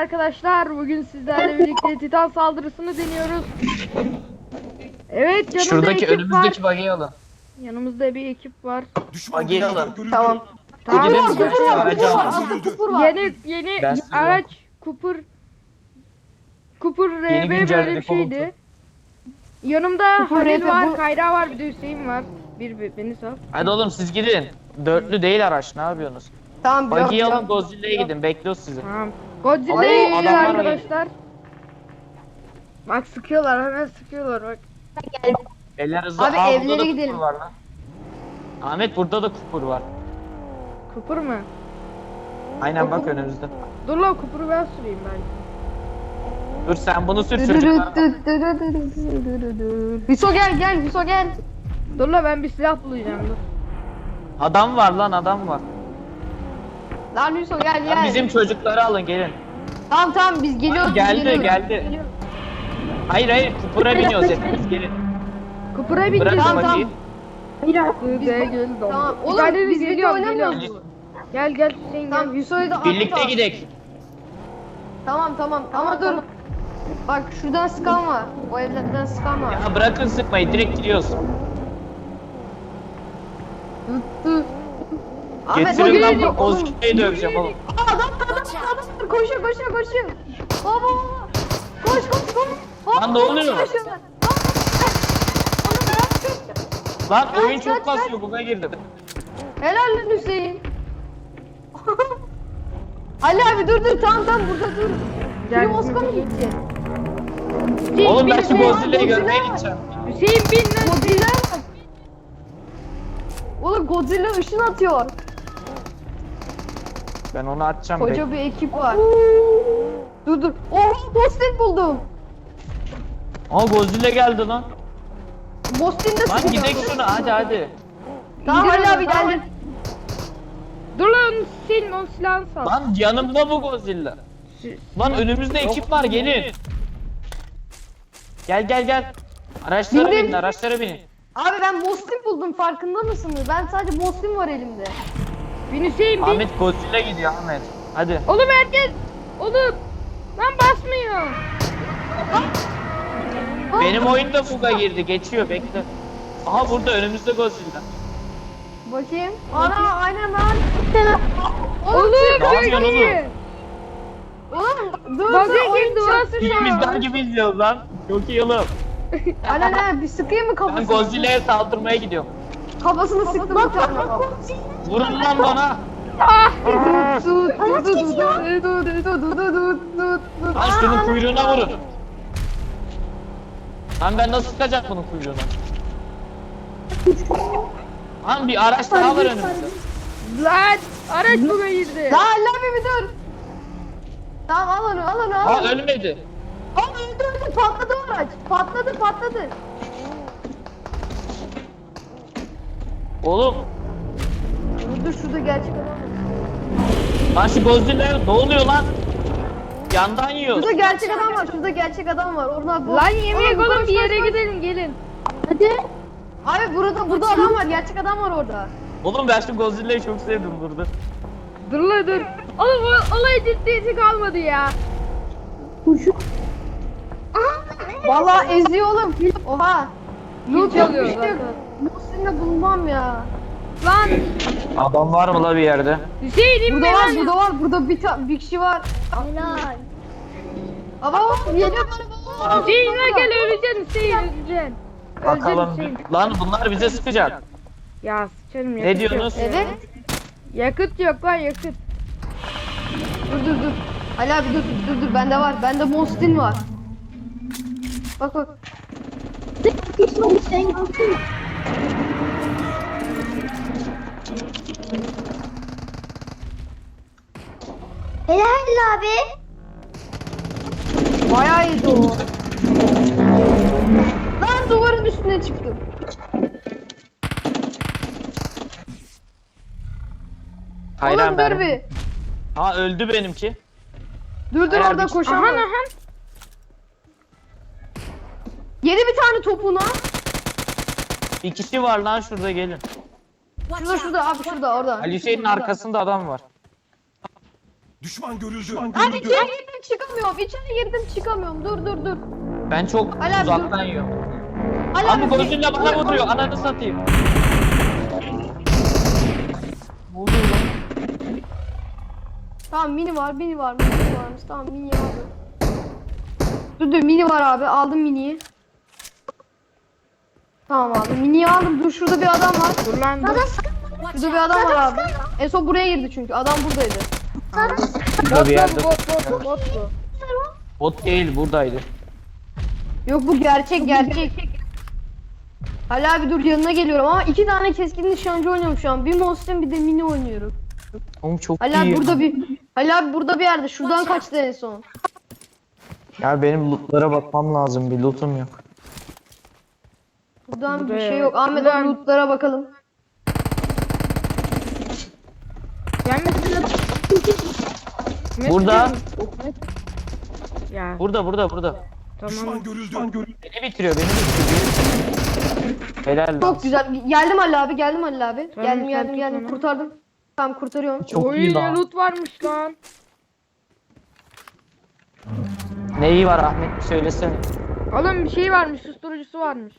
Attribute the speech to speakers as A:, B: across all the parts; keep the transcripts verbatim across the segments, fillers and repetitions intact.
A: arkadaşlar. Bugün sizlerle birlikte Titan saldırısını deniyoruz. Evet, yanımda
B: Şuradaki
A: ekip
B: önümüzdeki
A: var.
B: buggy'i alın.
A: Yanımızda bir ekip var.
B: Buggy'i alın.
C: Tamam.
A: Tamam.
B: Gidelim
A: Kupur
B: mi?
A: var,
B: Aracı
A: kupur var,
B: alın.
C: Kupur var.
A: Yeni yeni
B: Ben size
A: araç Kupur Kupur R
B: Yeni
A: B
B: güncelleme
A: böyle bir
B: falan.
A: şeydi. Yanımda
C: Kupur
A: Halil
C: R B
A: var,
C: bu-
A: Kayra var, bir de Hüseyin var. Bir, bir beni sal.
B: Hadi oğlum siz gidin. Dörtlü değil araç, ne yapıyorsunuz?
C: Tamam.
B: Buggy'yi
C: yok,
B: alın,
C: yok.
B: Godzilla'ya gidin, bekliyoruz sizi.
A: Tamam. Godzilla'ya
B: Ama
A: gidiyor
B: adamlar
A: arkadaşlar. Bak sıkıyorlar, hemen sıkıyorlar bak.
B: Eller hızlı.
C: Abi,
B: Aa, burada
C: evlere
B: da
C: gidelim.
B: kupur var lan. Ahmet burada da kupur var.
A: Kupur mu?
B: Aynen bak önümüzde.
A: Dur lan, Kupur'u ben süreyim belki.
B: Dur sen bunu sür
C: Dürürüt,
B: çocuklara.
C: dürürüt, dürürüt, dürürüt. Hüso gel gel Hüso gel.
A: Dur lan, ben bir silah bulacağım, dur.
B: Adam var lan, adam var.
C: Lan Hüso gel
B: Lan
C: gel.
B: bizim çocukları alın, gelin.
C: Tamam tamam biz geliyoruz. biz
B: Geldi,
C: geliyoruz.
B: geldi.
C: Geliyoruz.
B: Hayır hayır, kupura biniyoruz hepimiz, gelin.
A: Kupur'a
B: Bırakın
A: bineceğiz.
C: Tamam,
B: buggy'yi.
A: Biz de geldi.
C: Tamam.
A: Bir
C: Oğlum
A: tane
C: biz birlikte
A: geliyorum,
C: oynamıyoruz
A: geliyorum.
C: mu?
A: Gel gel Hüseyin, gel.
C: Tamam Hüso'yu da
B: Birlikte
C: atla.
B: gidek.
C: Tamam tamam ama dur. Bak şuradan sıkan var. O evlerden sıkan var.
B: Ya bırakın sıkmayı, direkt gidiyoruz.
C: Tuttu. Ahmet o
B: Getirin lan
C: gelecek
B: bu
C: oğlum.
B: Godzilla'yı döveceğim oğlum.
C: Aa, adam adam adam koşuyor koşuyor koşuyor. Baba baba. Koş koş koş. Baba,
B: Lan ne oluyor?
C: koşuyorlar. Baba. Onu bırak.
B: Lan
C: Kaç,
B: oyun çok
C: kaç,
B: kasıyor, buna girdim.
C: Helal lan Hüseyin. Ali abi dur dur tamam tamam burada dur.
A: Gel.
C: Film Oscar mı gidecek?
A: Hüseyin
B: Oğlum
A: bin,
B: ben şu
A: Hüseyin.
B: Godzilla'yı
C: Godzilla
B: görmeye
C: var.
B: gideceğim.
A: Hüseyin bin lan.
C: Godzilla bak. Oğlum Godzilla ışın atıyor.
B: Ben onu atacağım.
C: Koca bir ekip var. Dur dur. Oh Boston buldum.
B: Aa Godzilla geldi lan.
C: Boston'da
B: Lan
C: sıkıyor.
B: gidek şuna, hadi hadi.
C: Tamam Ali
A: Gidiyorum,
C: abi
A: tamam.
C: geldim.
A: Dur lan Hüseyin, o silahını sal.
B: Lan yanımda bu Godzilla.
A: Sü-
B: Lan önümüzde ekip var, gelin. Gel gel gel. Araçlara
C: Bindim.
B: binin, araçlara binin.
C: Abi ben Boston buldum farkında mısınız? Ben sadece Boston var elimde.
A: Bin Hüseyin bin.
B: Ahmet Godzilla gidiyor Ahmet. Hadi.
A: Oğlum herkes. Oğlum. Lan basmıyor.
B: Benim oyunda fuga girdi, geçiyor, bekle. Aha burada önümüzde Godzilla.
C: Bakayım. Ana aynen lan.
A: Oğlum
B: Ne
A: çok
B: yapıyorsun
A: iyi.
C: Oğlum dur
A: Bak
C: dur
A: ya,
C: oyun
A: girdi,
C: çarptı şu an.
B: Filmizden gibi izliyoruz lan. Çok iyi oğlum.
C: Aynen aynen bir sıkayım mı
B: Ben
C: kafasını?
B: Godzilla'ya saldırmaya gidiyorum.
C: Kafasını sıktım bir tane.
B: Vurun lan bana.
A: Ah.
C: Tut tut tut tut tut tut tut tut tut.
B: Lan şunun kuyruğuna vurun. Lan ben nasıl sıkacak bunun kuyruğuna? Lan bir araç daha var önümüzde.
A: Lan araç buga girdi.
C: Lan Allah bir dur. Tamam al onu al onu al
B: Ha
C: onu.
B: ölmedi.
C: Al öldü öldü patladı o araç. Patladı patladı.
B: Oğlum.
C: Dur dur şurada gerçek adam var.
B: Lan şu Godzilla ne oluyor lan? Yandan yiyor.
C: Şurada gerçek adam var. Şurada gerçek adam var. Oradan
A: Lan yemeğe
C: Oğlum,
A: oğlum,
C: koş,
A: bir
C: koş,
A: yere
C: koş.
A: gidelim, gelin.
C: Hadi. Abi burada burada adam var. Gerçek adam var orada.
B: Oğlum ben şu Godzilla'yı çok sevdim burada.
A: Dur lan dur. Oğlum o olay ciddiyeti kalmadı ya.
C: Vallahi eziyor oğlum. Oha. Loot
A: çalıyor
C: yapmıştık.
A: zaten.
C: Muhsin'le bulunmam ya.
A: Lan
B: Adam var mı la bir yerde?
A: Hüseyin inme
C: Burada var,
A: lan.
C: burada var. Burada bir, ta- bir kişi var. Helal. Ama geliyor bana.
A: Hüseyin inme, gel, öleceksin Hüseyin, öleceksin. Öleceksin
B: Bakalım.
A: Hüseyin.
B: Lan bunlar bize sıkacak.
A: Ya sıçarım, yakıt
B: Ne diyorsunuz?
A: yok ya.
C: Evet.
A: Yakıt yok lan, yakıt.
C: Dur dur dur. Ali abi dur dur dur bende var. Bende Mostin var. Bak bak.
D: Helal abi.
C: Bayağı iyiydi o. Lan duvarın üstüne çıktım.
B: Hayran
C: Oğlum dur
B: ben.
C: bir.
B: Ha öldü benimki.
C: Dur dur
B: Hayır,
C: orada
B: bir-
C: koşan
A: Ahan
C: var.
A: ahan.
C: Yedi bir tane topuna.
B: Bir kişi var lan şurada, gelin.
C: Şurada şurada abi şurada orada.
B: Ali Hüseyin'in arkasında adam var.
D: Düşman görüldü. Düşman
C: Abi
D: görüldü.
C: içeri girdim çıkamıyorum. İçeri girdim çıkamıyorum. Dur dur dur.
B: Ben çok
C: Ali abi,
B: uzaktan yiyorum.
C: Ali
B: Abi
C: abi,
B: Godzilla bana
C: dur, dur.
B: vuruyor. Ananı satayım. Ne oluyor lan?
C: Tamam mini var, mini var, mini varmış. Tamam mini aldım. Dur dur mini var abi. Aldım miniyi. Tamam aldım. Miniyi aldım. Dur şurada bir adam var.
A: Dur lan dur.
C: Şurada bir adam var abi. En son buraya girdi çünkü. Adam buradaydı.
B: Burada
A: Bot
B: bir
A: lan
B: yerde.
A: bu, bot bot bot bu.
B: Bot değil buradaydı.
C: Yok bu gerçek gerçek. Hala abi dur yanına geliyorum ama iki tane keskin nişancı oynuyorum şu an. Bir Monster bir de mini oynuyorum.
B: Oğlum çok
C: Hala
B: iyi.
C: burada bir Hala abi burada bir yerde. Şuradan kaçtı en son.
B: Ya benim lootlara bakmam lazım. Bir lootum yok.
C: Buradan bir
A: Buraya-
C: şey yok. Ahmet
A: Buradan-
C: abi lootlara bakalım.
A: Gelmesin.
B: Burada.
A: Ya
B: Burada burada burada.
A: tamam.
D: Düşman görüldü. Düşman görüldü.
B: Beni bitiriyor beni bitiriyor. Helal lan.
C: Çok güzel. Geldim Halil abi. Geldim Halil abi.
A: Tamam,
C: geldim
A: sen
C: geldim
A: tut
C: geldim.
A: onu.
C: Kurtardım. Tamam kurtarıyorum.
B: Çok
A: Oy
B: iyi
A: ne
B: lan.
A: loot varmış lan.
B: Neyi var Ahmet bir söylesene.
A: Oğlum bir şey varmış, susturucusu varmış.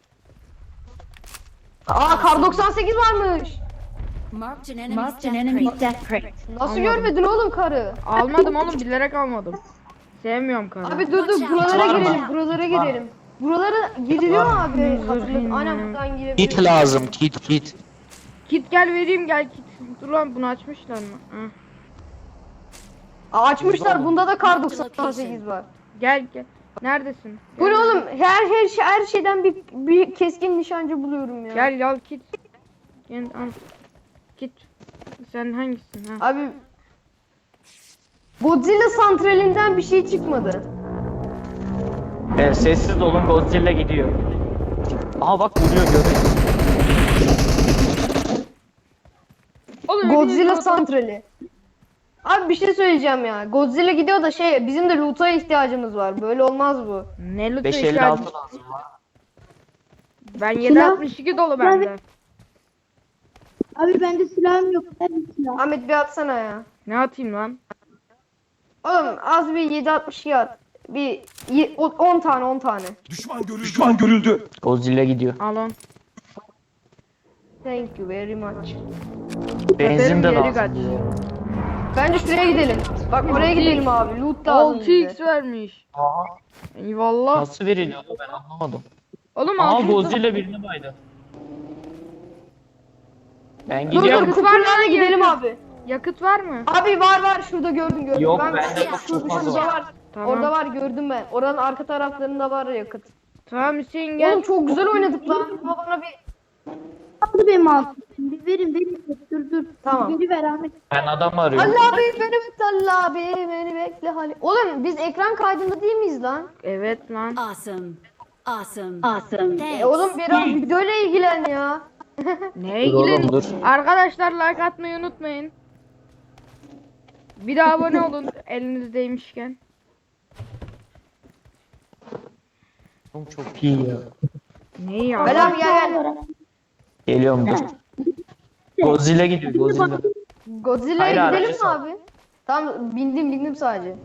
C: Aa kar doksan sekiz varmış.
E: Marked an enemy's death crate. Death crate.
C: Nasıl
A: Anladım.
C: görmedin oğlum karı?
A: Almadım oğlum, bilerek almadım. Sevmiyorum karı.
C: Abi dur dur
E: Watch out.
C: buralara
B: Var mı?
C: girelim. Buralara girelim. Buralara giriliyor mu abi? Hatırladım. Aynen buradan
B: Kit
C: girebiliyoruz.
B: lazım kit kit.
A: Kit gel vereyim gel kit. Dur lan bunu açmışlar mı? Heh.
C: Aa, açmışlar. Bunda da kar doksan sekiz var.
A: Gel gel. Neredesin?
C: Bu ne oğlum? Her her şey her şeyden bir bir keskin nişancı buluyorum ya.
A: Gel al kit. Gel al. Kit. Sen hangisin ha?
C: Abi Godzilla santralinden bir şey çıkmadı.
B: Evet, sessiz olun Godzilla gidiyor. Aha bak vuruyor görüyor.
A: Oğlum
C: Godzilla
A: hepiniz-
C: santrali. Abi bir şey söyleyeceğim ya. Godzilla gidiyor da şey bizim de loot'a ihtiyacımız var. Böyle olmaz bu.
A: Ne loot'u
B: beş elli
A: ihtiyacım-
B: altı lazım.
A: Ben yedi altmış iki dolu bende.
F: Abi bende silahım yok. Ben de silah.
C: Ahmet bir atsana ya.
A: Ne atayım lan?
C: Oğlum az bir yedi altmış iki at. Bir ye- o- on tane on tane.
D: Düşman görüldü. Düşman görüldü.
B: Godzilla gidiyor.
A: Al on.
C: Thank you very much.
B: Benzin de
A: Geri
B: lazım.
A: kaç.
C: Bence şuraya gidelim. Bak oraya gidelim abi. Loot lazım
A: altı x
C: bize.
A: vermiş.
B: Aha,
A: Eyvallah.
B: nasıl veriliyor ben anlamadım.
A: Oğlum
B: Aa
A: altı x.
B: Godzilla birini baydı. Ben
C: Dur dur
B: gidiyorum.
C: kuperlerle gidelim abi.
A: Yakıt var mı?
C: Abi var var şurada gördüm gördüm.
B: Yok,
C: ben
B: bende yok,
C: şu-
B: çok fazla
C: şurada
B: var.
C: var.
A: Tamam.
C: Orada var gördüm ben. Oranın arka taraflarında var yakıt.
A: Tamam Hüseyin gel.
C: Oğlum çok güzel oynadık lan. Ama bana bir
F: Aldı benim altım. Bir verin verin. Dur dur.
C: Tamam.
F: Biri ver Ahmet.
B: Ben adam arıyorum.
C: Allah abi beni bekle Allah abi beni bekle hali. Oğlum biz ekran kaydında değil miyiz lan?
A: Evet lan.
E: Awesome. Awesome. Awesome. Thanks.
C: E oğlum biraz videoyla ilgilen ya.
A: Neye
B: Dur oğlum,
A: ilgilen?
B: dur.
A: Arkadaşlar like atmayı unutmayın. Bir de abone olun elinizdeymişken.
B: Oğlum çok iyi ya.
A: Ne ya?
C: Ali abi gel gel.
B: Geliyorum dur. Godzilla gidiyor Godzilla.
C: Godzilla'ya
B: Hayır,
C: gidelim mi
B: aracı
C: abi? Tamam bindim bindim sadece.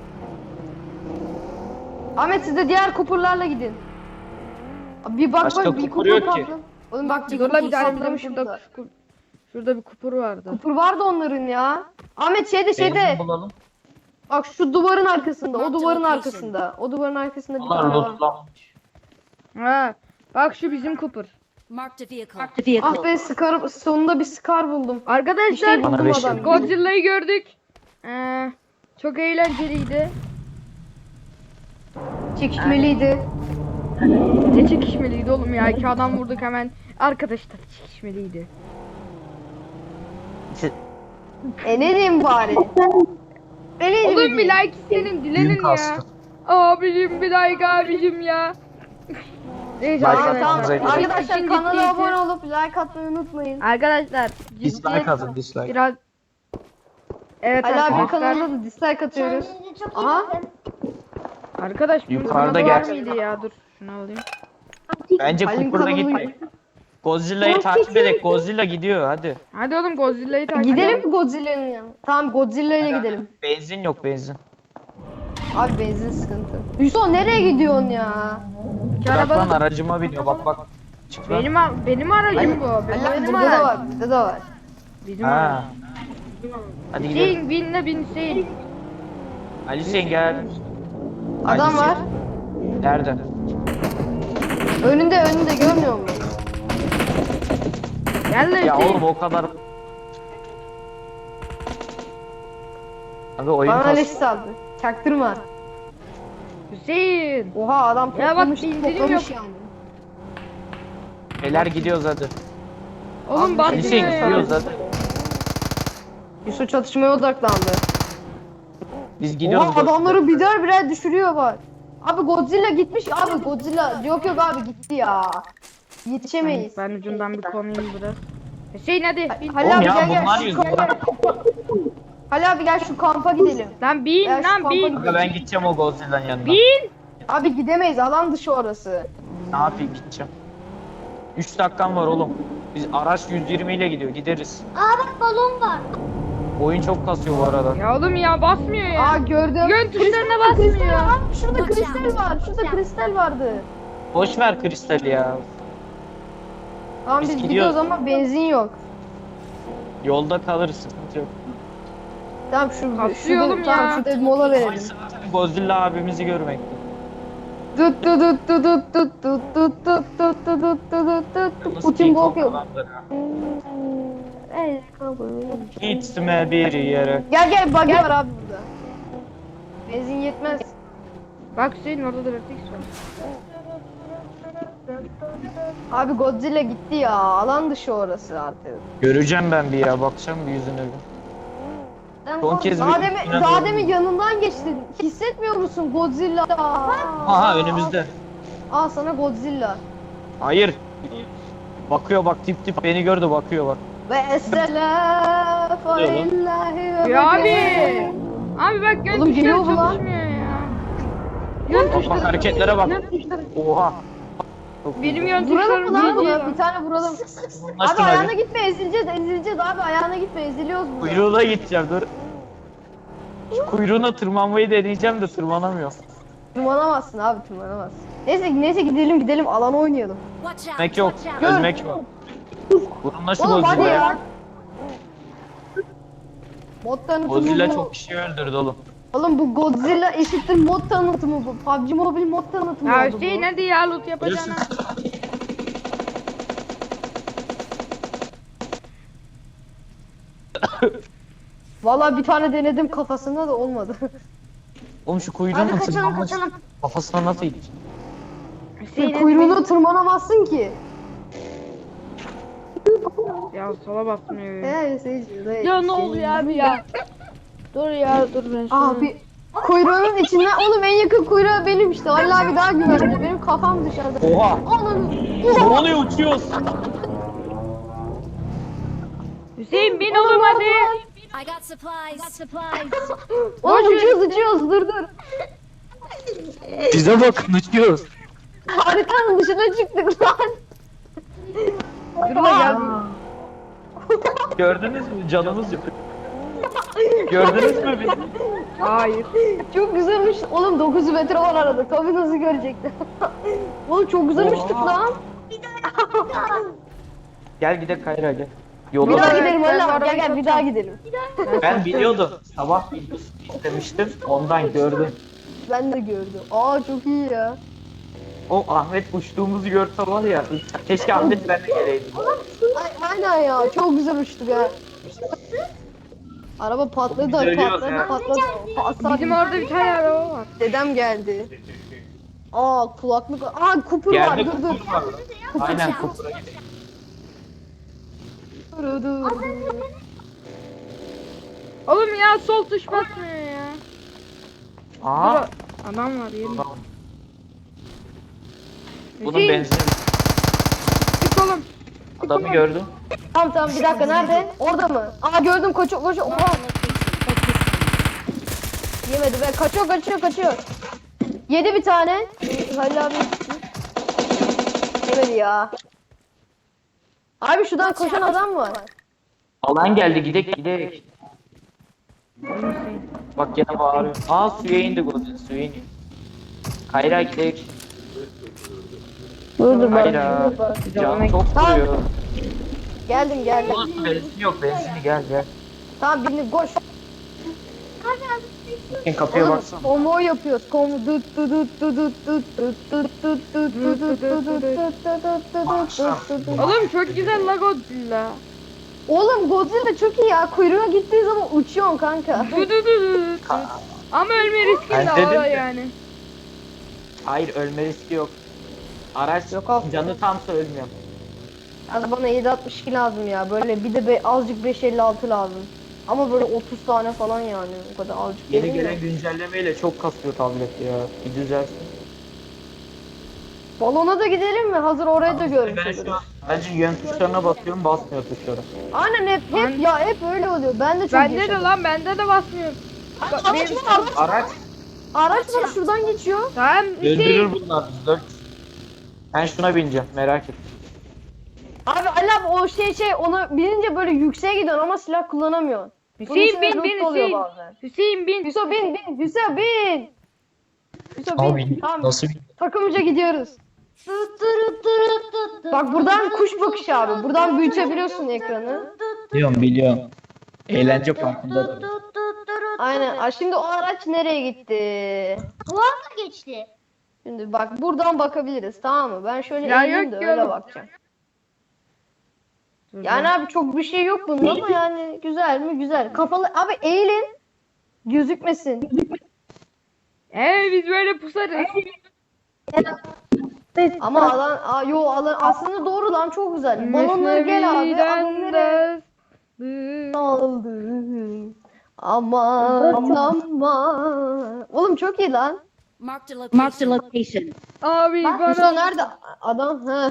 C: Ahmet siz de diğer kupurlarla gidin. Abi Bir bak
B: Başka
C: bak bir
B: kupur
C: kupur
B: yok ki.
C: patladı. Oğlum bak bir
A: Dur
C: kupur
A: lan bir tane bizim
C: patlamış
A: şurada.
C: burada.
A: Şurada, şurada bir kupur vardı.
C: Kupur vardı onların ya. Ahmet şeyde şeyde.
B: Benzin bulalım.
C: Bak şu duvarın arkasında. O duvarın arkasında. O duvarın arkasında bir
B: Bunlar
C: tane var.
B: lootlanmış.
A: Ha. Bak şu bizim kupur.
E: Marked a vehicle. Marked a vehicle.
C: Ah be Scar sonunda bir Scar buldum. Bir şey
A: Arkadaşlar
B: Bana
C: buldum
B: beş
C: adam.
B: yıl.
A: Godzilla'yı gördük. Ee, çok eğlenceliydi.
C: Çekişmeliydi.
A: Ne çekişmeliydi oğlum ya. İki adam vurduk hemen. Arkadaşlar çekişmeliydi.
C: E ne diyeyim bari? E ne
A: Oğlum
C: diyeyim?
A: bir like istenin dilenin
B: Düğün
A: ya.
B: kastı.
A: Abicim bir like abicim ya. Neyse
B: Like
C: Aa,
A: arkadaşlar.
C: tamam.
B: atmanıza
C: Arkadaşlar
A: İşin
C: kanala
A: ciddiyeti-
C: abone olup like atmayı unutmayın.
A: Arkadaşlar
B: Dislike
A: ciddiyet
B: atın dislike.
A: biraz evet
C: Ali abi
A: arkadaşlar.
C: kanalına da dislike atıyoruz. Aha.
A: Arkadaş bunun
B: Yukarıda
A: kanalı var
B: gel.
A: mıydı ya? Dur şunu alayım.
B: Bence
C: Halin
B: kupurda
C: kanalı-
B: gitmeyin. Godzilla'yı takip edek. Godzilla gidiyor hadi.
A: Hadi oğlum Godzilla'yı takip
C: Gidelim
A: edelim.
C: mi Godzilla'nın yanına? Tamam Godzilla'ya gidelim.
B: Benzin yok benzin.
C: Abi benzin sıkıntı. Yusuf nereye gidiyorsun ya?
B: Bırak lan
A: Araba
B: aracıma biniyor bak bak. Çık lan.
A: benim a- benim aracım bu.
C: Allah
A: Benim, benim
C: burada da
A: aracım.
C: var, burada da var.
A: Bizim aracım.
B: Ha. Hadi gidelim.
A: Hüseyin bin de bin Hüseyin.
B: Ali Hüseyin gel.
C: Adam
B: Hüseyin.
C: var.
B: Nerede?
C: Önünde önünde görmüyor musun?
A: Gel de
B: Ya
A: Hüseyin.
B: oğlum o kadar. Abi oyun
C: Bana
B: kas.
C: leş saldı. Çaktırma.
A: Hüseyin.
C: Oha adam
A: Ya bak,
C: toplamış,
A: bir indirim
C: toplamış
A: yok.
C: yani.
B: Beyler gidiyoruz hadi.
A: Oğlum
C: Ali
A: basmıyor
B: Hüseyin
A: ya.
B: gidiyoruz hadi.
C: Yusuf çatışmaya odaklandı.
B: Biz gidiyoruz.
C: Oha adamları birer birer düşürüyor bak. Abi Godzilla gitmiş abi Godzilla. Yok yok abi gitti ya. Yetişemeyiz.
A: Ben ucundan bir konayım biraz. Hüseyin hadi. bin.
C: Halil
B: Oğlum
C: abi
B: ya
C: gel gel.
B: bunlar
C: şu
B: yüzünden.
C: kampa- Halil abi gel şu kampa gidelim.
A: Lan bin
C: Ya şu
A: lan
C: kampa
A: bin.
C: gidelim.
B: Kanka ben gideceğim o Godzilla'nın yanına.
A: Bin.
C: Abi gidemeyiz alan dışı orası.
B: Ne yapayım gideceğim. üç dakikam var oğlum. Biz araç yüz yirmi ile gidiyor gideriz.
F: Aa bak balon var.
B: Oyun çok kasıyor bu arada.
A: Ya oğlum ya basmıyor ya.
C: Aa gördüm.
A: Yön tuşlarına
C: Kristal
A: basmıyor.
C: var. Şurada kristal var. Şurada kristal vardı.
B: Boş ver kristali ya.
C: Tamam
B: Biz
C: biz
B: gidiyoruz.
C: gidiyoruz ama benzin yok.
B: Yolda kalırız sıkıntı yok.
C: Tamam şu
A: Kasıyor
C: şurada,
A: oğlum
C: tamam,
A: ya.
C: şurada bir mola verelim.
B: Godzilla abimizi görmek.
C: Tut tut tut tut tut tut tut tut tut tut tut tut tut tut.
B: Nasıl
C: Putin
B: King
C: Gok
B: Kong
C: yok.
B: adamdır ha.
C: Ey, kabul.
B: Gitme bir yere.
C: Gel gel buggy var abi burada. Benzin yetmez.
A: Bak Hüseyin orada da vertex var.
C: Abi Godzilla gitti ya. Alan dışı orası artık.
B: Göreceğim ben bir ya bakacağım bir yüzüne bir. Son kez
C: daha
B: bir
C: demin,
B: üstüne
C: daha
B: doğru.
C: demin yanından geçtin. Hissetmiyor musun Godzilla?
B: Aha önümüzde.
C: Al sana Godzilla.
B: Hayır. Bakıyor bak tip tip beni gördü bakıyor bak.
C: Ve esselam
B: Oluyor lan.
C: illahi ve
A: Ya abi.
C: bekle.
A: Abi bak yön
C: Oğlum geliyor
A: tuşları
C: bu lan.
A: çalışmıyor ya. Yön
B: Bak bak
A: tuşları.
B: hareketlere bak. Oha. Çok
A: Benim
B: iyi.
A: yön
C: Vuralım
A: tuşlarım
C: mı lan
A: değil
C: bunu?
A: ya.
C: Bir tane vuralım.
B: Anlaştın
C: Abi ayağına
B: hadi.
C: gitme ezileceğiz ezileceğiz abi ayağına gitme eziliyoruz burada.
B: Kuyruğuna gideceğim dur. Şu kuyruğuna tırmanmayı deneyeceğim de tırmanamıyorum.
C: Tırmanamazsın abi tırmanamazsın. Neyse neyse gidelim gidelim alan oynayalım.
E: Watch out.
B: Ölmek yok.
E: Watch out.
B: Ölmek var. Vurunla şu
C: Oğlum hadi ya.
B: Godzilla'ya.
C: Mod tanıtımı
B: Godzilla
C: bu.
B: çok kişi öldürdü oğlum.
C: Oğlum bu Godzilla eşittir mod tanıtımı bu. P U B G Mobile mod tanıtımı
A: Ya
C: oldu
A: Hüseyin
C: bu.
A: hadi ya loot yapacağına.
C: Valla bir tane denedim kafasında da olmadı.
B: Oğlum şu kuyruğuna
C: Hadi kaçalım
B: tırmanmış.
C: kaçalım.
B: Kafasına nasıl gidecek?
A: Hüseyin hadi
C: Kuyruğuna tırmanamazsın ki.
A: bin. Ya sola basmıyor.
C: He Hüseyin.
A: Ya ne oluyor abi ya? Dur ya dur ben şunu.
C: Abi kuyruğunun içinden oğlum en yakın kuyruğu benim işte. Allah abi daha güvenli. Benim kafam dışarıda.
B: Oha!
C: Ananı.
B: Ne oluyor uçuyoruz?
A: Hüseyin bin oğlum hadi.
E: I got supplies. I got supplies.
C: Oğlum uçuyoruz uçuyoruz dur dur.
B: Bize bakın uçuyoruz.
C: Haritanın dışına çıktık lan.
A: Dur da gel.
B: Gördünüz mü? Canımız yok. Gördünüz mü bizi?
A: Hayır.
C: Çok güzelmiş. Oğlum dokuz metre var arada. Tabii nasıl görecekler. Oğlum çok güzel uçtuk
B: Oha.
C: lan.
B: Gel gidelim Kayra gel.
C: Bir
B: Yolda
C: daha
A: Evet,
C: gidelim
A: ben
C: valla.
A: arabayı
C: Gel gel bir daha gidelim.
B: ben biliyordum. Sabah istemiştim. Ondan gördüm.
C: Ben de gördüm. Aa çok iyi ya.
B: O Ahmet uçtuğumuzu görse var ya. Keşke Ahmet ben de geleydim.
C: Ay, aynen ya. Çok güzel uçtuk ha. Araba patladı,
B: Biz ölüyoruz
C: patladı,
B: ya.
C: patladı. Patladı.
A: Bizim orada bir tane araba var.
C: Dedem geldi. Aa kulaklık. Aa kupur var.
B: Yerde
C: Dur dur.
B: kupur var. Aynen kupura gidelim.
C: Dur dur.
A: Oğlum ya sol tuş basmıyor ya.
B: Aa.
A: Dur, adam var yerim.
B: Bunun
A: Hüseyin
B: benzini.
A: çık oğlum.
B: Adamı gördüm.
C: Tamam tamam bir dakika nerede? Orada mı? Aa gördüm koçu koçu. Oha. Yemedi be. Kaçıyor kaçıyor kaçıyor. Yedi bir tane. Halil abi. Yemedi ya. Abi şuradan koşan adam var.
B: Alan geldi, gidek gidek. Bak gene bağırıyor. Aa suya indi Godin, suya indi. Kayra gidek.
C: Dur dur ben.
B: Kayra. Can çok
C: Tamam.
B: vuruyor.
C: Geldim geldim.
B: Oğlum benzin yok, benzini gel gel.
C: Tamam bindim koş.
B: Bakın kapıya
C: Oğlum
B: baksana.
C: konvoy yapıyoruz. Konvoy dut dut dut dut dut dut dut dut dut dut dut dut dut dut dut dut.
A: Oğlum çok güzel la Godzilla.
C: Oğlum Godzilla çok iyi ya. Kuyruğuna gittiği zaman uçuyorsun kanka.
A: Du du du du du. Ama ölme riskin
B: Ben
A: de
B: dedim
A: var
B: ki-
A: yani.
B: Hayır, ölme riski yok. Araç
C: Yok abi.
B: canı tamsa ölmüyor.
C: Yani bana yedi altmış iki lazım ya. Böyle bir de be, azıcık beş elli altı lazım. Ama böyle otuz tane falan yani. O kadar azıcık
B: Yeni
C: değil mi?
B: gelen güncellemeyle çok kasıyor tablet ya. Bir düzelsin.
C: Balona da gidelim mi? Hazır orayı da görmüş
B: Ben şu
C: oluruz.
B: an bence yön tuşlarına basıyorum, basmıyor tuşlara.
C: Aynen hep hep ya hep öyle oluyor. Ben de çok
A: Bende de
C: yaşadım.
A: lan bende de basmıyor. Bak,
C: Araç
A: benim-
C: var araç.
B: Araç
C: Araç var şuradan geçiyor.
A: Tamam
B: öldürür
A: Hüseyin.
B: bunlar. Dört. Ben şuna bineceğim, merak et.
C: Abi Ali abi o şey şey ona binince böyle yükseğe gidiyorsun ama silah kullanamıyorsun. Bunun
A: Hüseyin
C: içinde
A: bin
C: loot
A: bin
C: oluyor
A: Hüseyin.
C: bazen.
A: Hüseyin bin.
C: Hüso bin bin Hüso bin. Hüso bin. Tamam.
B: Nasıl
C: Takımıca gidiyoruz. Bak buradan kuş bakışı abi. Buradan büyütebiliyorsun ekranı.
B: biliyorum biliyorum. Eğlence parkında.
C: Aynen. Aa, şimdi o araç nereye gitti?
F: Kulağıma geçti.
C: Şimdi bak buradan bakabiliriz tamam mı? Ben şöyle
A: Ya
C: eğileyim
A: yok
C: de
A: ki
C: öyle
A: oğlum.
C: bakacağım. Yani abi çok bir şey yok bunda ama yani güzel mi? Güzel. Kafalı abi eğilin. Gözükmesin.
A: Ee biz böyle pusarız.
C: Ama alan aa, yo alan aslında doğru lan çok güzel. Balonları gel abi. Alanları aldı. Aman aman. Oğlum çok iyi lan.
E: Marked a location.
F: Marked a location.
A: Abi
C: Bak
A: bana.
C: Hüso nerede? Adam. Ha.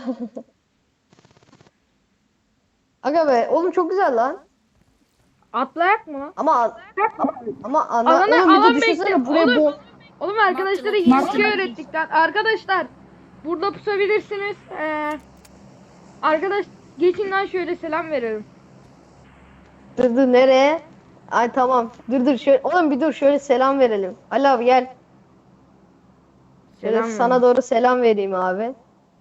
C: Aga be oğlum çok güzel lan.
A: Atlayak mı?
C: Ama ama, ama ana,
A: Alana-
C: oğlum bir
A: alan
C: de düşünsene
A: bekle,
C: buraya
A: oğlum.
C: bol.
A: Oğlum arkadaşlara yeni şey öğrettik lan. Arkadaşlar burada pusabilirsiniz. Ee, arkadaş geçin lan şöyle selam verelim.
C: Dur dur nereye? Ay tamam. Dur dur şöyle. Oğlum bir dur şöyle selam verelim. Ali abi gel. Şöyle
A: Selam
C: sana
A: verin.
C: doğru selam vereyim abi.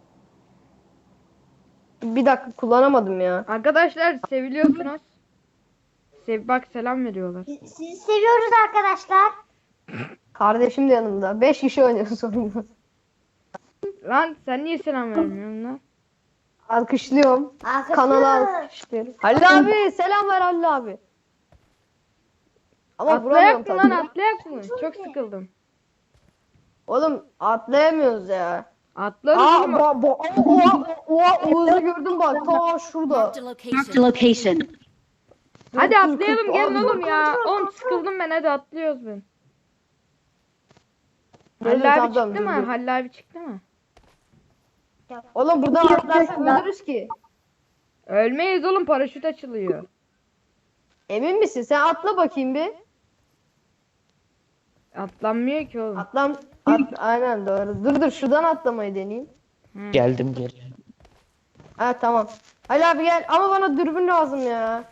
C: Bir dakika kullanamadım ya.
A: Arkadaşlar seviliyorsunuz. Sev bak selam veriyorlar.
F: Sizi seviyoruz arkadaşlar.
C: Kardeşim de yanımda. Beş kişi oynuyoruz sonunda.
A: Lan sen niye selam vermiyorsun lan?
C: Alkışlıyorum. Kanala alkışlıyorum. Halil abi selam ver Halil abi. Ama vuramıyorum
A: Atlayak mı lan
C: tabii.
A: atlayak mı? Çok sıkıldım.
C: Oğlum atlayamıyoruz ya.
A: Atlarız
C: Aa,
A: oğlum.
C: bo, bo, oha, oha, Oğuz'u gördüm bak. Ta şurada.
E: Marked a
F: Marked
E: location.
F: a location.
A: Hadi
C: dur,
A: atlayalım
C: dur,
A: gelin
C: dur,
A: oğlum
C: dur,
A: ya.
C: dur,
A: Oğlum sıkıldım ben hadi atlıyoruz ben.
C: Dur, dur,
A: Halil
C: tamam,
A: abi
C: tamam,
A: çıktı
C: dur,
A: mı?
C: dur.
A: Halil abi çıktı mı?
C: Oğlum buradan atlarsak ölürüz ki.
A: Ölmeyiz oğlum paraşüt açılıyor.
C: Emin misin? Sen atla bakayım bir.
A: Atlanmıyor ki oğlum.
C: Atlam. At, aynen doğru. Dur dur şuradan atlamayı deneyeyim.
B: Geldim gel.
C: Ha tamam. Halil abi gel ama bana dürbün lazım ya.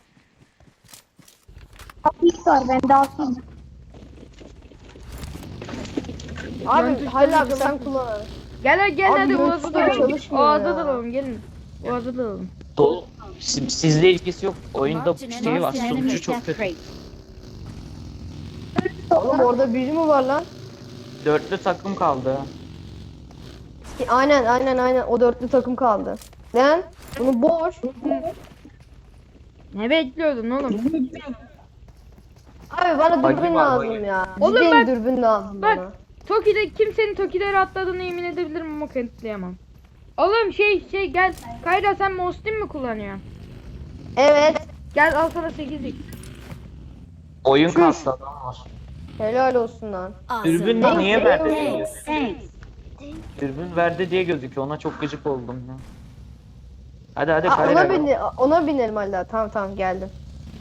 F: İlk var ben de alsın.
C: Abi Halil abi sen kullan.
A: Gel gel
C: Abi
A: hadi
C: yok,
A: Oğaz'a
C: tutar
A: dalalım.
C: çalışmıyor
A: Oğaz'a
C: ya.
A: dalalım gelin. Oğaz'a dalalım.
B: Dolu. Siz- Sizle ilgisi yok. Oyunda
E: Marked an
B: şey var.
E: enemy
B: Sonucu çok
E: death
B: kötü.
E: crate.
C: Oğlum orada biri mi var lan?
B: Dörtlü takım kaldı. ha.
C: Aynen aynen aynen o dörtlü takım kaldı. Lan bunu boş.
A: Ne bekliyordun oğlum?
C: Abi bana
B: Bagi
C: dürbün
B: var,
C: lazım
B: bagi.
C: ya.
A: Oğlum
C: Cidden
A: bak-
C: dürbün lazım
A: Bak
C: bana.
A: Toki'de kimsenin Toki'leri atladığını emin edebilirim ama kanıtlayamam. Oğlum şey şey gel. Kayra sen Mostin mi kullanıyorsun?
C: Evet.
A: Gel al sana sekizlik.
B: Oyun kastı adam var.
C: Helal olsun lan.
B: Dürbün
E: Awesome.
B: de niye verdi diye
E: Thanks.
B: gözüküyor.
E: Thanks.
B: Dürbün verdi diye gözüküyor. Ona çok gıcık oldum ya. Hadi hadi
C: Aa,
B: Kayra.
C: ona, bine, ona binelim hala. Tamam tamam geldim.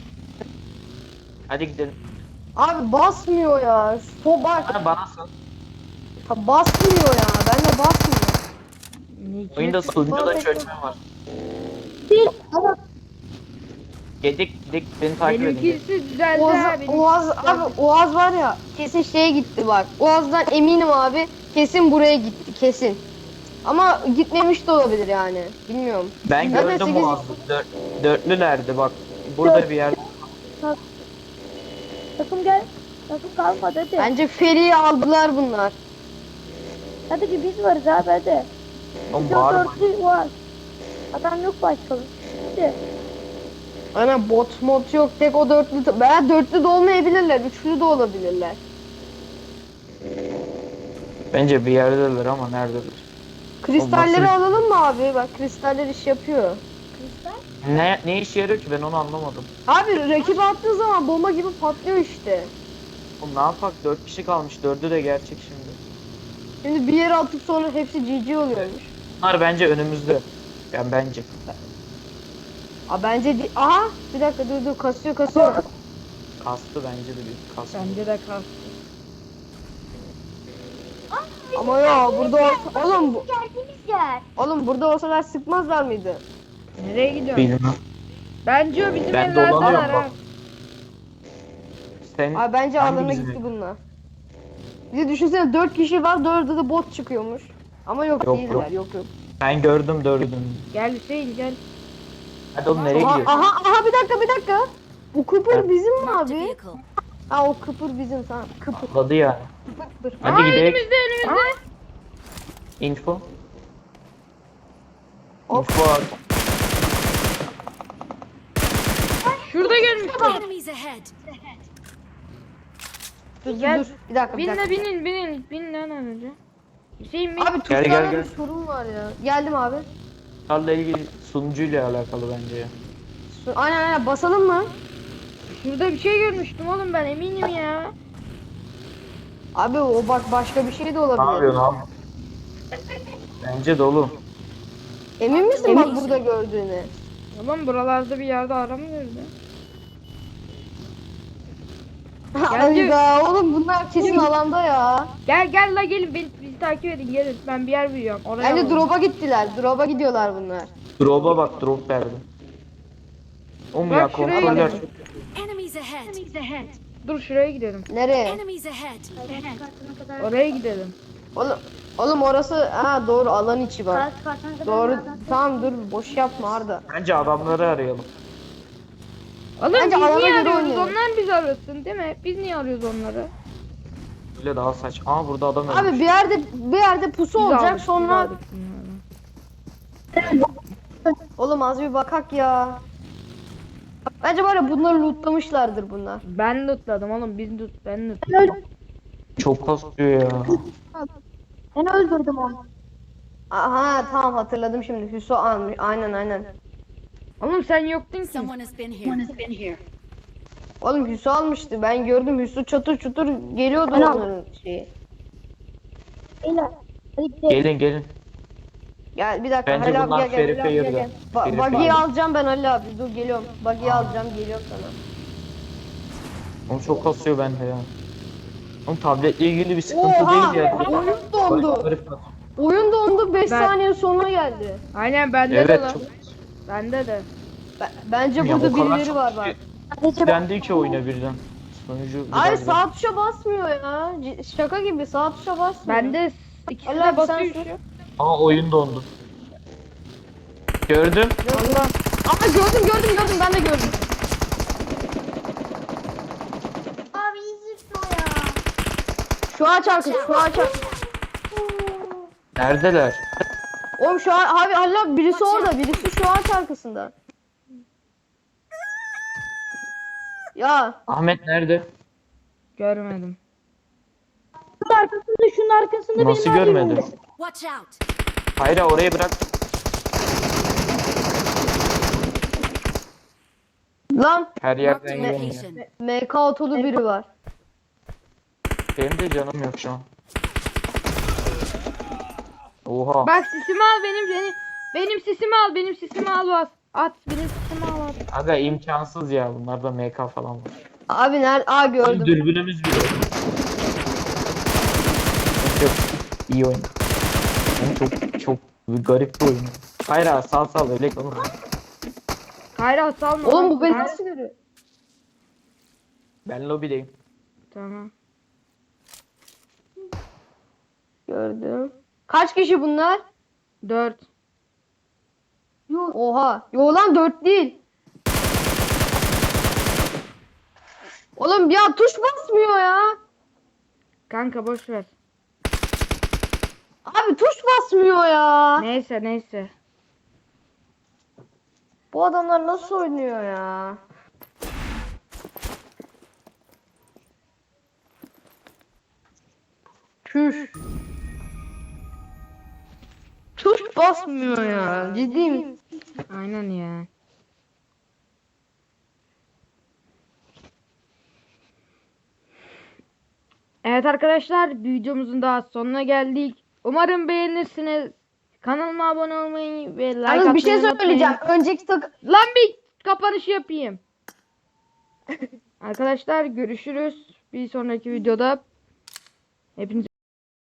B: Hadi gidelim.
C: Abi basmıyor ya. So bak.
B: Bana bana sal.
C: Ha, basmıyor ya. Ben de basmıyor.
A: Ne
B: Oyunda
A: ki?
B: sunucuda çökme var.
F: Değil. Ama
B: Gedik gidik beni takip edin.
A: Benimkisi düzeldi
C: Oğaz,
A: ha. benimkisi
C: Oğaz,
A: düzeldi.
C: abi Oğaz var ya kesin şeye gitti bak. Oğaz'dan eminim abi kesin buraya gitti kesin. Ama gitmemiş de olabilir yani. Bilmiyorum.
B: Ben
C: Zaten
B: gördüm
C: sekiz-
B: o anda. Dört, dörtlülerdi bak. Burada bir yer.
F: takım gel. Takım kalmadı hadi.
C: Bence Feri'yi aldılar bunlar.
F: Hadi ki biz varız abi hadi.
B: Oğlum
F: Bizim
B: bağırma.
F: dörtlü var. Adam yok başka. Hadi.
C: Ana bot mod yok tek o dörtlü. Veya dörtlü de olmayabilirler. Üçlü de olabilirler.
B: Bence bir yerdeler ama neredeler?
C: Kristalleri
B: Olmazsa-
C: alalım mı abi? Bak kristaller iş yapıyor.
B: Ne ne işe yarıyor ki ben onu anlamadım.
C: Abi rakip attığı zaman bomba gibi patlıyor işte.
B: Oğlum ne yapak? Dört kişi kalmış. Dördü de gerçek şimdi.
C: Şimdi bir yere atıp sonra hepsi G G oluyormuş.
B: Bunlar bence önümüzde. Yani bence.
C: Aa bence di- aha bir dakika dur dur kasıyor kasıyor.
B: Kastı bence de bir kastı.
A: Bence de kal.
C: Ama ya burada olsa oğlum bu-
F: Geldiğimiz yer.
C: oğlum burada olsalar sıkmazlar mıydı?
A: Nereye gidiyorsun?
B: Bilmem.
A: Bence o bizim
B: Ben
A: evlerdeler
B: dolanıyorum
A: ha.
B: bak. Sen
C: Abi bence
B: hangi
C: alana
B: bizim
C: gitti
B: ev?
C: bunlar. Bir de düşünsene dört kişi var dördü de bot çıkıyormuş. Ama yok,
B: Yok,
C: değiller
B: yok.
C: yok yok.
B: Ben gördüm dördünü.
A: Gel Hüseyin gel.
B: Hadi oğlum nereye
C: Aha,
B: gidiyorsun?
C: aha aha bir dakika bir dakika. Bu kıpır
B: Evet.
C: bizim mi
E: Marked a
C: abi?
E: vehicle.
C: Ha o kıpır bizim tamam kıpır
B: Atladı yani.
C: kıpır.
B: Hadi
A: Aa,
B: gidelim.
A: önümüzde önümüzde.
B: Info.
C: Of.
B: Info at.
A: Şurada görmüştüm.
E: Enemies ahead.
C: Dur dur
A: Gel.
C: dur bir dakika bir
A: Bin
C: dakika.
A: de binin binin. Bin lan önce. Hüseyin bin.
C: Abi
B: Gel,
C: tuşlarda
B: gel, gel.
C: bir sorun var ya. Geldim abi.
B: Bunlarla ilgili sunucuyla alakalı bence ya.
C: Su- Aynen aynen basalım mı?
A: Şurada bir şey görmüştüm oğlum ben eminim ya.
C: Abi o bak başka bir şey de
B: Ne
C: olabilir.
B: yapıyorsun abi? Bence dolu.
C: Emin misin bak burada gördüğüne?
A: Oğlum buralarda bir yerde aramıyordu.
C: Hayda oğlum bunlar kesin alanda ya.
A: Gel gel la gelin beni, bizi takip edin gelin. Ben bir yer biliyorum. Oraya
C: Bence
A: alalım.
C: drop'a gittiler. Drop'a gidiyorlar bunlar.
B: Drop'a bak drop verdi. Oğlum
A: Bak
B: ya
A: şuraya
B: kontroller
A: gidelim.
B: çok
E: Enemies ahead.
A: Dur şuraya gidelim.
C: Nereye?
E: Enemies ahead.
F: Kartına kadar.
A: Oraya gidelim.
C: Oğlum, oğlum orası ha doğru alan içi bak.
F: Kart kartına kadar.
C: Doğru.
F: nereden?
C: Tamam dur boş yapma Arda.
B: Bence adamları arayalım.
A: Oğlum
C: Bence
A: biz
C: alana
A: niye
C: göre
A: arıyoruz?
C: oynayalım.
A: Onlar bizi arasın değil mi? Biz niye arıyoruz onları?
B: Böyle daha saç. Aa burada adam
C: Abi
B: ölmüş.
C: bir yerde bir yerde pusu
A: Biz
C: olacak
A: aldık, biz
C: sonra
A: aldık bunları.
C: oğlum az bir bakak ya. Bence var ya bunları lootlamışlardır bunlar.
A: Ben lootladım oğlum biz loot ben
F: Ben
A: lootladım.
F: öldürdüm.
B: Çok kasıyor ya.
F: Ben öldürdüm onu.
C: Aha tamam hatırladım şimdi. Hüso almış. Aynen aynen.
A: Oğlum sen yoktun ki.
E: Someone has been here.
C: Oğlum Hüso almıştı. Ben gördüm Hüso çatır çutur geliyordu
F: Ben
C: onların şeyi.
F: Beyler. Hadi gidelim.
B: Gelin gelin.
C: Gel bir dakika
B: Bence
C: Halil abi
B: bunlar
C: gel gel.
B: Ferife
C: Halil abi, gel,
B: yürüdü.
C: gel. Ba-
B: Ferife
C: Buggy'yi
B: abi.
C: alacağım ben Halil abi. Dur geliyorum. Buggy'yi alacağım geliyorum sana.
B: Oğlum çok kasıyor bende ya. Oğlum tabletle ilgili bir sıkıntı
C: Oha!
B: değil ya.
C: Oyun dondu.
B: Garip kasıyor.
C: Oyun dondu beş
A: Ben-
C: saniye sonra geldi.
A: Aynen bende de
B: Evet
A: lan.
B: çok.
A: Bende de.
C: Be- bence
B: Ya,
C: burada
B: o kadar
C: birileri
B: çok
C: var bak.
F: Hadi
B: Dendi iki oyuna birden. Sonucu
C: Hayır
B: biraz
C: sağ tuşa basmıyor ya. C- Şaka gibi sağ tuşa basmıyor.
A: Bende ikisi
C: Allah
A: de
C: abi,
A: basıyor
C: sen
A: şu.
B: Aa oyun dondu. Gördüm.
A: Allah.
C: Aa gördüm gördüm gördüm ben de gördüm.
F: Abi izin o ya.
C: Şu ağaç arkası şu ağaç arkası.
B: Neredeler?
C: Oğlum şu an abi Halil abi birisi orada birisi şu ağaç arkasında. Ya
B: Ahmet nerede?
A: Görmedim.
F: Şunun arkasında şunun arkasında
B: Nasıl
F: benim abim
B: görmedi?
F: var.
E: Watch out.
B: Hayır orayı bırak.
C: lan
B: Her
E: Marked
B: yerden
E: a
B: görünüyor.
E: location.
C: M K otolu biri var.
B: Benim de canım yok şu an. Oha.
A: Bak sisimi al benim benim. Benim sisimi al benim sisimi al bas. At benim sisimi al at.
B: Aga imkansız ya bunlarda M K falan var.
C: Abi nerede? Aa gördüm.
B: Dürbünümüz bile. Çok iyi oyun. Yani çok çok garip bir oyun. Hayır abi sal sal öyle kalın.
A: Kayra salma.
C: Oğlum
A: lan.
C: bu beni
A: Kayra-
C: nasıl görüyor?
B: Ben lobideyim.
A: Tamam.
C: Gördüm. Kaç kişi bunlar?
A: Dört.
C: Oha. Yo lan dört değil. Oğlum ya tuş basmıyor ya.
A: Kanka boş ver.
C: Abi tuş basmıyor ya.
A: Neyse neyse.
C: Bu adamlar nasıl oynuyor ya? Çüş. Tuş basmıyor ya. Ciddiyim.
A: Aynen ya. Evet arkadaşlar, bir videomuzun daha sonuna geldik. Umarım beğenirsiniz. Kanalıma abone olmayı ve like
C: Yalnız
A: atmayı
C: bir şey
A: unutmayın.
C: söyleyeceğim. Önceki tak
A: Lan bir kapanış yapayım. Arkadaşlar görüşürüz. Bir sonraki videoda. Hepinize